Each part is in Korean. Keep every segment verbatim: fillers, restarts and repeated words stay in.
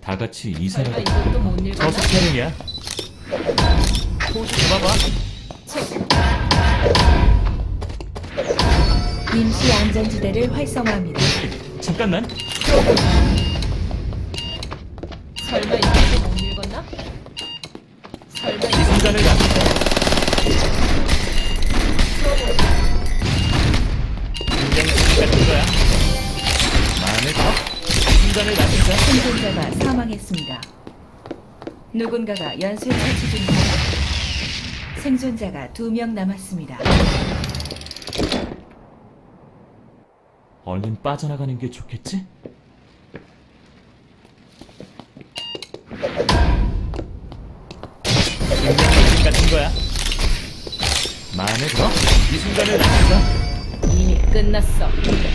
다 같이 설마 이사라도. 이것도 못 읽었나? 저수 촬영이야. 포즈 잡아봐. 체크. 임시 안전지대를 활성화합니다. 잠깐만. 설마 이것도 못 읽었나? 설마 이 이것도 순간을 남기자. 굉장히 재미 같은 거야. 마음에 들어? 이 순간을 남기자. 생존자가 사망했습니다. 누군가가 연쇄 처치 중입니다. 생존자가 두 명 남았습니다. 얼른 빠져나가는 게 좋겠지? 굉장히 재미 같은 거야. 마음에 들어? 이 순간을 남기자. 이미 끝났어.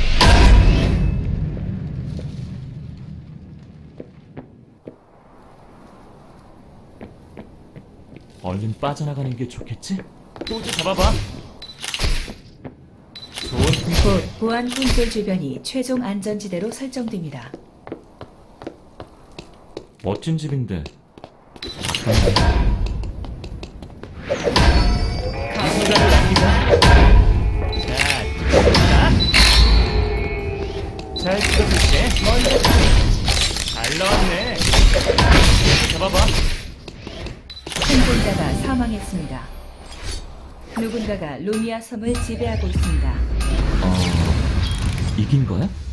얼른 빠져나가는 게 좋겠지? 포즈 잡아봐. 좋은 풍 곧 보안 콘솔 주변이 최종 안전지대로 설정됩니다. 멋진 집인데. 이 순간을 남기자. 자, 자. 잘 찍어줄게. 먼저 잘 나왔네. 잡아봐. 생존자가 사망했습니다. 누군가가 루미아 섬을 지배하고 있습니다. 어, 이긴 거야?